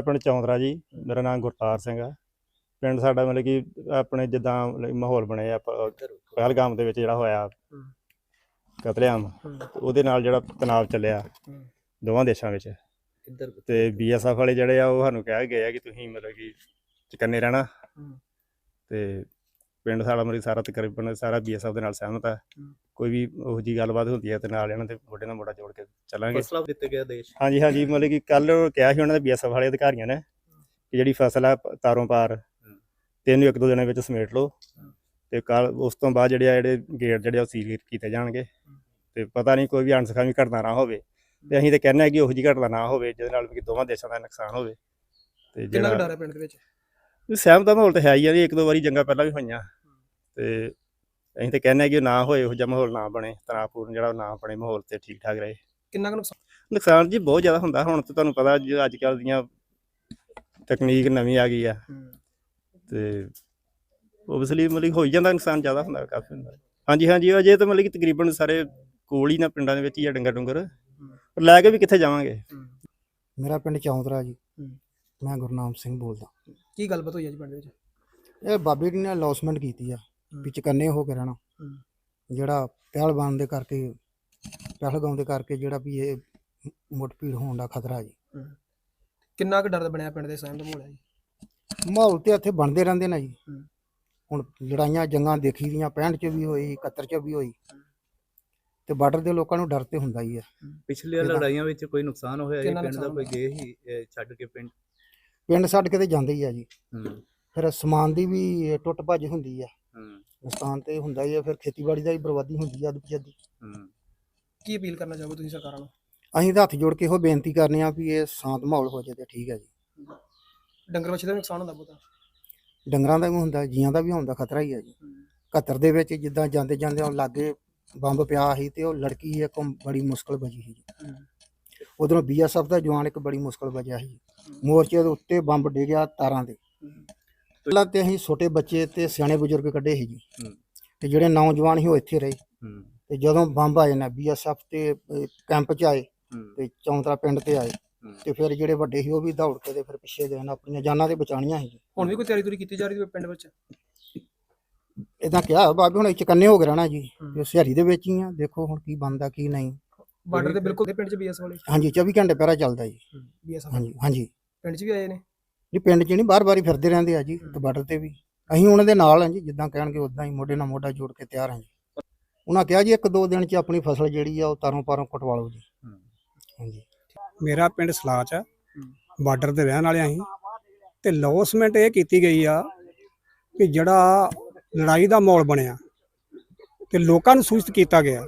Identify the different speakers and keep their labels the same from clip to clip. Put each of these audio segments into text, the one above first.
Speaker 1: ਪਿੰਡ ਚੌਂਦਰਾ ਜੀ। ਮੇਰਾ ਨਾਮ ਗੁਰਤਾਰ ਸਿੰਘ ਆ। ਪਿੰਡ ਸਾਡਾ ਮਤਲਬ ਕਿ ਆਪਣੇ ਜਿੱਦਾਂ ਮਾਹੌਲ ਬਣਿਆ ਪਹਿਲਗਾਮ ਦੇ ਵਿੱਚ ਜਿਹੜਾ ਹੋਇਆ ਕਤਲੇਆਮ, ਉਹਦੇ ਨਾਲ ਜਿਹੜਾ ਤਣਾਅ ਚੱਲਿਆ ਦੋਵਾਂ ਦੇਸ਼ਾਂ ਵਿੱਚ, ਤੇ BSF ਵਾਲੇ ਜਿਹੜੇ ਆ ਉਹ ਸਾਨੂੰ ਕਹਿ ਗਏ ਆ ਕਿ ਤੁਸੀਂ ਮਤਲਬ ਕਿ ਚੁਕੰਨੇ ਰਹਿਣਾ। ਤੇ ਪਿੰਡ ਸਾਡਾ ਮਤਲਬ ਸਾਰਾ ਤਕਰੀਬਨ ਸਾਰਾ BSF ਦੇ ਨਾਲ ਸਹਿਮਤ ਆ। ਕੋਈ ਵੀ ਉਹੋ ਜਿਹੀ ਗੱਲਬਾਤ ਹੁੰਦੀ ਹੈ ਤੇ ਨਾਲ ਇਹਨਾਂ ਦੇ ਮੋਢੇ ਨਾਲ ਮੋਢਾ ਜੋੜ ਕੇ ਚੱਲਾਂਗੇ।
Speaker 2: ਫਸਲਾਂ ਦਿੱਤੇ ਗਿਆ ਦੇਸ਼।
Speaker 1: ਹਾਂਜੀ ਮਤਲਬ ਕਿ ਕੱਲ ਕਿਹਾ ਸੀ ਉਹਨਾਂ ਦੇ BSF ਵਾਲੇ ਅਧਿਕਾਰੀਆਂ ਨੇ ਕਿ ਜਿਹੜੀ ਫਸਲ ਆ ਤਾਰੋਂ ਪਾਰ 1-2 ਦਿਨਾਂ ਵਿੱਚ ਸਮੇਟ ਲਓ, ਤੇ ਕੱਲ ਉਸ ਤੋਂ ਬਾਅਦ ਜਿਹੜੇ ਗੇਟ ਜਿਹੜੇ ਉਹ ਸੀਲ ਕੀਤੇ ਜਾਣਗੇ। ਤੇ ਪਤਾ ਨਹੀਂ ਕੋਈ ਵੀ ਅਣਸਖਾਵੀ ਘਟਨਾ ਨਾ ਹੋਵੇ, ਤੇ ਅਸੀਂ ਤਾਂ ਕਹਿੰਦੇ ਹਾਂ ਕਿ ਉਹੋ ਜਿਹੀ ਘਟਨਾ ਨਾ ਹੋਵੇ ਜਿਹਦੇ ਨਾਲ ਕਿ ਦੋਵਾਂ ਦੇਸ਼ਾਂ ਦਾ ਨੁਕਸਾਨ ਹੋਵੇ। ਤੇ
Speaker 3: ਕਿੰਨਾ ਡਰ ਹੈ ਪਿੰਡ ਦੇ ਵਿੱਚ?
Speaker 1: ਸਹਿਮਤ ਦਾ ਮਾਹੌਲ ਤਾਂ ਹੈ ਹੀ ਆ ਜੀ। 1-2 ਵਾਰੀ ਜੰਗਾਂ ਪਹਿਲਾਂ ਵੀ ਹੋਈਆਂ, ਤੇ ਅਸੀਂ ਤਾਂ ਕਹਿੰਦੇ ਹਾਂ ਕਿ ਨਾ ਹੋਏ, ਇਹੋ ਜਿਹਾ ਮਾਹੌਲ ਨਾ ਬਣੇ, ਤਣਾਅਪੂਰਨ ਜਿਹੜਾ ਨਾ ਬਣੇ ਮਾਹੌਲ, ਤੇ ਠੀਕ ਠਾਕ ਰਹੇ।
Speaker 3: ਕਿੰਨਾ ਕੁ
Speaker 1: ਨੁਕਸਾਨ ਜੀ ਬਹੁਤ ਜ਼ਿਆਦਾ ਹੁੰਦਾ। ਹੁਣ ਤਾਂ ਤੁਹਾਨੂੰ ਪਤਾ ਜੀ ਅੱਜ ਕੱਲ੍ਹ ਦੀਆਂ ਤਕਨੀਕ ਨਵੀਂ ਆ ਗਈ ਆ, ਤੇ ਓਬਵੀਅਸਲੀ ਮਤਲਬ ਹੋ ਹੀ ਜਾਂਦਾ, ਨੁਕਸਾਨ ਜ਼ਿਆਦਾ ਹੁੰਦਾ, ਕਾਫੀ ਹੁੰਦਾ। ਹਾਂਜੀ ਅਜੇ ਤਾਂ ਮਤਲਬ ਕਿ ਤਕਰੀਬਨ ਸਾਰੇ ਕੋਲ ਹੀ ਨਾ ਪਿੰਡਾਂ ਦੇ ਵਿੱਚ ਹੀ ਆ ਡੰਗਰ ਲੈ ਕੇ ਵੀ ਕਿੱਥੇ ਜਾਵਾਂਗੇ।
Speaker 4: ਮੇਰਾ ਪਿੰਡ ਚੌਂਦਰਾ ਜੀ। ਮੈਂ ਗੁਰਨਾਮ ਸਿੰਘ ਬੋਲਦਾ।
Speaker 3: ਕੀ ਗੱਲਬਾਤ ਹੋਈ ਹੈ ਜੀ ਪਿੰਡ ਵਿੱਚ?
Speaker 4: ਇਹ ਬਾਬੇ ਜੀ ਨੇ ਅਨਾਉਂਸਮੈਂਟ ਕੀਤੀ ਆ ਵੀ ਚੁਕੰਨੇ ਹੋ ਕੇ ਰਹਿਣਾ, ਜਿਹੜਾ ਪਹਿਲਵਾਨ ਦੇ ਕਰਕੇ ਪਹਿਲਗਾਮ ਦੇ ਕਰਕੇ ਜਿਹੜਾ ਵੀ ਇਹ ਮੁੱਠਭੀੜ ਹੋਣ ਦਾ ਖਤਰਾ ਜੀ।
Speaker 3: ਕਿੰਨਾ ਕੁ ਡਰ ਬਣਿਆ ਪਿੰਡ ਦੇ ਸਹਿਮਤ ਮਾਹੌਲ ਹੈ ਜੀ?
Speaker 4: ਮਾਹੌਲ ਤੇ ਇੱਥੇ ਬਣਦੇ ਰਹਿੰਦੇ ਨੇ ਜੀ। ਹੁਣ ਲੜਾਈਆਂ ਜੰਗਾਂ ਦੇਖੀ ਦੀਆਂ 65 ਚ ਵੀ ਹੋਈ, 71 ਚ ਵੀ ਹੋਈ, ਤੇ ਬਾਰਡਰ ਦੇ ਲੋਕਾਂ ਨੂੰ ਡਰ ਤੇ ਹੁੰਦਾ ਹੀ ਆ।
Speaker 2: ਪਿਛਲੀਆਂ ਲੜਾਈਆਂ ਵਿੱਚ ਕੋਈ ਨੁਕਸਾਨ ਹੋਇਆ ਜੀ ਪਿੰਡ ਦਾ? ਕੋਈ ਗਏ ਹੀ ਛੱਡ ਕੇ ਪਿੰਡ
Speaker 4: ਛੱਡ ਕੇ ਤੇ ਜਾਂਦੇ ਹੀ ਆ ਜੀ। ਫਿਰ ਸਮਾਨ ਦੀ ਵੀ ਟੁੱਟ ਭੱਜ ਹੁੰਦੀ ਆ, ਨੁਕਸਾਨ ਤੇ ਹੁੰਦਾ ਹੀ ਆ। ਫਿਰ ਖੇਤੀਬਾੜੀ ਦਾ ਵੀ ਬਰਬਾਦੀ ਹੁੰਦੀ ਆ ਅੱਧ-ਪਜੱਦੀ।
Speaker 3: ਕੀ ਅਪੀਲ ਕਰਨਾ ਚਾਹੋਗੇ ਤੁਸੀਂ ਸਰਕਾਰਾਂ ਨੂੰ?
Speaker 4: ਅਸੀਂ ਤਾਂ ਹੱਥ ਜੋੜ ਕੇ ਇਹੋ ਬੇਨਤੀ ਕਰਨੇ ਆ ਵੀ ਇਹ ਸ਼ਾਂਤ ਮਾਹੌਲ ਹੋ ਜਾਏ ਤੇ ਠੀਕ ਹੈ ਜੀ।
Speaker 3: ਡੰਗਰ ਵੱਛੇ ਦਾ ਨੁਕਸਾਨ ਹੁੰਦਾ ਬਹੁਤਾ?
Speaker 4: ਡੰਗਰਾਂ ਦਾ ਵੀ ਹੁੰਦਾ, ਜੀਆਂ ਦਾ ਵੀ ਹੋਣ ਦਾ ਖਤਰਾ ਹੀ ਹੈ ਜੀ। 71 ਦੇ ਵਿੱਚ ਜਿੱਦਾਂ ਜਾਂਦੇ ਉਹ ਲਾਗੇ ਬੰਬ ਪਿਆ ਸੀ, ਤੇ ਉਹ ਲੜਕੀ ਇੱਕ ਬੜੀ ਮੁਸ਼ਕਲ ਬਚੀ ਸੀ ਜੀ। ਉਧਰੋਂ BSF ਦਾ ਜਵਾਨ ਇੱਕ ਬੜੀ ਮੁਸ਼ਕਲ ਬਚਿਆ ਸੀ। ਮੋਰਚੇ ਦੇ ਉੱਤੇ ਬੰਬ ਡਿੱਗਿਆ ਤਾਰਾਂ ਦੇ। ਪਹਿਲਾਂ ਤੇ ਅਸੀਂ ਛੋਟੇ ਬੱਚੇ ਤੇ ਸਿਆਣੇ ਬਜ਼ੁਰਗ ਕੱਢੇ ਸੀ ਜੀ, ਤੇ ਜਿਹੜੇ ਨੌਜਵਾਨ ਸੀ ਉਹ ਇੱਥੇ ਰਹੇ। ਤੇ ਜਦੋਂ ਬੰਬ ਆਏ ਨਾ BSF ਤੇ ਕੈਂਪ 'ਚ ਆਏ, ਤੇ ਚੌਂਤਰਾ ਪਿੰਡ ਤੇ ਆਏ, ਤੇ ਫਿਰ ਜਿਹੜੇ ਵੱਡੇ ਸੀ ਉਹ ਵੀ ਦੌੜ ਕੇ ਤੇ ਫਿਰ ਪਿੱਛੇ ਗਏ ਨਾ, ਆਪਣੀਆਂ ਜਾਨਾਂ ਤੇ ਬਚਾਉਣੀਆਂ ਸੀ।
Speaker 3: ਹੁਣ ਵੀ ਕੋਈ ਤਿਆਰੀ ਤੁਰੀ ਕੀਤੀ ਜਾ ਰਹੀ ਹੈ ਪਿੰਡ ਵਿੱਚ?
Speaker 4: ਇਦਾਂ ਕਿਹਾ ਬਾਬੇ ਹੁਣ ਚੁਕੰਨੇ ਹੋ ਕੇ ਰਹਿਣਾ ਜੀ, ਤੇ ਸਿਹਾਰੀ ਦੇ ਵਿੱਚ ਹੀ ਆ। ਦੇਖੋ ਹੁਣ ਕੀ ਬਣਦਾ ਕੀ ਨਹੀਂ।
Speaker 3: ਬਾਰਡਰ ਤੇ ਬਿਲਕੁਲ ਪਿੰਡ 'ਚ BSF ਵਾਲੇ?
Speaker 4: ਹਾਂਜੀ 24 ਘੰਟੇ ਪਹਿਰਾ ਚੱਲਦਾ ਜੀ
Speaker 3: BSF।
Speaker 4: ਹਾਂਜੀ
Speaker 3: ਪਿੰਡ 'ਚ ਵੀ ਆਏ ਨੇ
Speaker 4: ਜੀ। ਪਿੰਡ 'ਚ ਨਹੀਂ, ਬਾਰ-ਬਾਰ ਹੀ ਫਿਰਦੇ ਰਹਿੰਦੇ ਆ ਜੀ, ਤੇ ਬਾਰਡਰ ਤੇ ਵੀ ਅਸੀਂ ਉਹਨਾਂ ਦੇ ਨਾਲ ਹਾਂ ਜੀ। ਜਿੱਦਾਂ ਕਹਿਣਗੇ ਉਦਾਂ ਹੀ ਮੋਢੇ ਨਾਲ ਮੋਢਾ ਜੋੜ ਕੇ ਤਿਆਰ ਹਾਂ ਜੀ। ਉਹਨਾਂ ਕਿਹਾ ਜੀ 1-2 ਦਿਨ 'ਚ ਆਪਣੀ ਫਸਲ ਜਿਹੜੀ ਆ ਉਹ ਤਾਰੋਂ ਪਾਰੋਂ ਕਟਵਾ ਲਓ ਜੀ। ਹਾਂਜੀ।
Speaker 5: ਮੇਰਾ ਪਿੰਡ ਸਲਾਚ ਆ, ਬਾਰਡਰ ਤੇ ਰਹਿਣ ਵਾਲੇ ਅਸੀਂ, ਤੇ ਅਨਾਉਂਸਮੈਂਟ ਇਹ ਕੀਤੀ ਗਈ ਆ ਕਿ ਜਿਹੜਾ ਲੜਾਈ ਦਾ ਮਾਹੌਲ ਬਣਿਆ, ਤੇ ਲੋਕਾਂ ਨੂੰ ਸੂਚਿਤ ਕੀਤਾ ਗਿਆ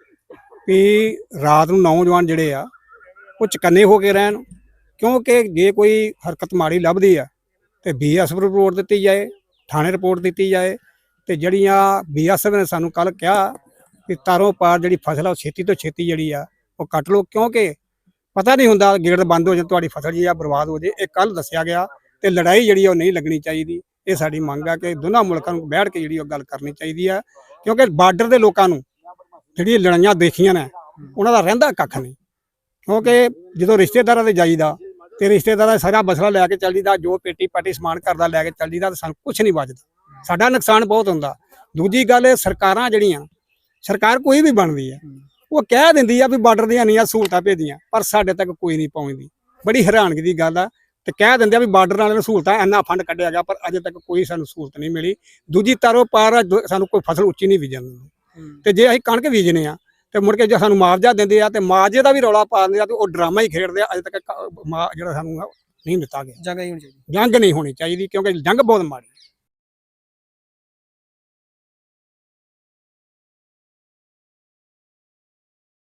Speaker 5: ਕਿ ਰਾਤ ਨੂੰ ਨੌਜਵਾਨ ਜਿਹੜੇ ਆ ਉਹ ਚੁਕੰਨੇ ਹੋ ਕੇ ਰਹਿਣ, ਕਿਉਂਕਿ ਜੇ ਕੋਈ ਹਰਕਤ ਮਾੜੀ ਲੱਭਦੀ ਆ ਤੇ BSF ਰਿਪੋਰਟ ਦਿੱਤੀ ਜਾਏ, ਥਾਣੇ ਰਿਪੋਰਟ ਦਿੱਤੀ ਜਾਏ। ਤੇ ਜਿਹੜੀਆਂ BSF ਨੇ ਸਾਨੂੰ ਕੱਲ ਕਿਹਾ ਕਿ ਤਾਰੋਂ ਪਾਰ ਜਿਹੜੀ ਫਸਲ ਆ ਉਹ ਛੇਤੀ ਤੋਂ ਛੇਤੀ ਜਿਹੜੀ ਆ ਉਹ ਕੱਟ ਲਓ, ਕਿਉਂਕਿ ਪਤਾ ਨਹੀਂ ਹੁੰਦਾ ਗੇਟ ਬੰਦ ਹੋ ਜਾਏ, ਤੁਹਾਡੀ ਫਸਲ ਜਿਹੜੀ ਆ ਬਰਬਾਦ ਹੋ ਜਾਏ। ਇਹ ਕੱਲ ਦੱਸਿਆ ਗਿਆ, ਤੇ ਲੜਾਈ ਜਿਹੜੀ ਉਹ ਨਹੀਂ ਲੱਗਣੀ ਚਾਹੀਦੀ। ਇਹ ਸਾਡੀ ਮੰਗ ਆ ਕਿ ਦੋਨਾਂ ਮੁਲਕਾਂ ਨੂੰ ਬੈਠ ਕੇ ਜਿਹੜੀ ਉਹ ਗੱਲ ਕਰਨੀ ਚਾਹੀਦੀ ਆ, ਕਿਉਂਕਿ ਬਾਰਡਰ ਦੇ ਲੋਕਾਂ ਨੂੰ ਜਿਹੜੀਆਂ ਲੜਾਈਆਂ ਦੇਖੀਆਂ ਨੇ ਉਹਨਾਂ ਦਾ ਰਹਿੰਦਾ ਕੱਖ ਨਹੀਂ। ਕਿਉਂਕਿ ਜਦੋਂ ਰਿਸ਼ਤੇਦਾਰਾਂ ਦੇ ਜਾਈਦਾ ਤੇ ਰਿਸ਼ਤੇਦਾਰਾਂ ਦਾ ਸਾਰਾ ਮਸਲਾ ਲੈ ਕੇ ਚੱਲ ਜੀਦਾ, ਜੋ ਪੇਟੀ ਪਾਟੀ ਸਮਾਨ ਕਰਦਾ ਲੈ ਕੇ ਚੱਲ ਜੀਦਾ, ਤੇ ਸਾਨੂੰ ਕੁਛ ਨਹੀਂ ਬਚਦਾ, ਸਾਡਾ ਨੁਕਸਾਨ ਬਹੁਤ ਹੁੰਦਾ। ਦੂਜੀ ਗੱਲ, ਸਰਕਾਰਾਂ ਜਿਹੜੀਆਂ ਸਰਕਾਰ ਕੋਈ ਵੀ ਬਣਦੀ ਆ ਉਹ ਕਹਿ ਦਿੰਦੀ ਆ ਵੀ ਬਾਰਡਰ ਦੀਆਂ ਇੰਨੀਆਂ ਸਹੂਲਤਾਂ ਭੇਜੀਆਂ, ਪਰ ਸਾਡੇ ਤੱਕ ਕੋਈ ਨਹੀਂ ਪਹੁੰਚਦੀ। ਬੜੀ ਹੈਰਾਨਗੀ ਦੀ ਗੱਲ ਆ। ਤੇ ਕਹਿ ਦਿੰਦੇ ਆ ਵੀ ਬਾਰਡਰ ਵਾਲਿਆਂ ਨੂੰ ਸਹੂਲਤਾਂ ਇੰਨਾ ਫੰਡ ਕੱਢਿਆ ਗਿਆ, ਪਰ ਅਜੇ ਤੱਕ ਕੋਈ ਸਾਨੂੰ ਸਹੂਲਤ ਨਹੀਂ ਮਿਲੀ। ਦੂਜੀ ਤਾਰੋਂ ਪਾਰ ਸਾਨੂੰ ਕੋਈ ਫਸਲ ਉੱਚੀ ਨਹੀਂ ਬੀਜਣ ਦਿੰਦੇ, ਤੇ ਜੇ ਅਸੀਂ ਕਣਕ ਬੀਜਨੇ ਆ ਤੇ ਮੁੜ ਕੇ ਜੇ ਸਾਨੂੰ ਮੁਆਵਜ਼ਾ ਦਿੰਦੇ ਆ ਤੇ ਮੁਆਵਜ਼ੇ ਦਾ ਵੀ ਰੌਲਾ ਪਾ ਦਿੰਦੇ ਆ, ਤੇ ਉਹ ਡਰਾਮਾ ਹੀ ਖੇਡਦੇ ਆ। ਅਜੇ ਤੱਕ ਜਿਹੜਾ ਸਾਨੂੰ ਨਹੀਂ ਦਿੱਤਾ ਗਿਆ।
Speaker 3: ਜੰਗ ਨਹੀਂ ਹੋਣੀ ਚਾਹੀਦੀ।
Speaker 5: ਜੰਗ ਨਹੀਂ ਹੋਣੀ ਚਾਹੀਦੀ, ਕਿਉਂਕਿ ਜੰਗ ਬਹੁਤ ਮਾੜੀ।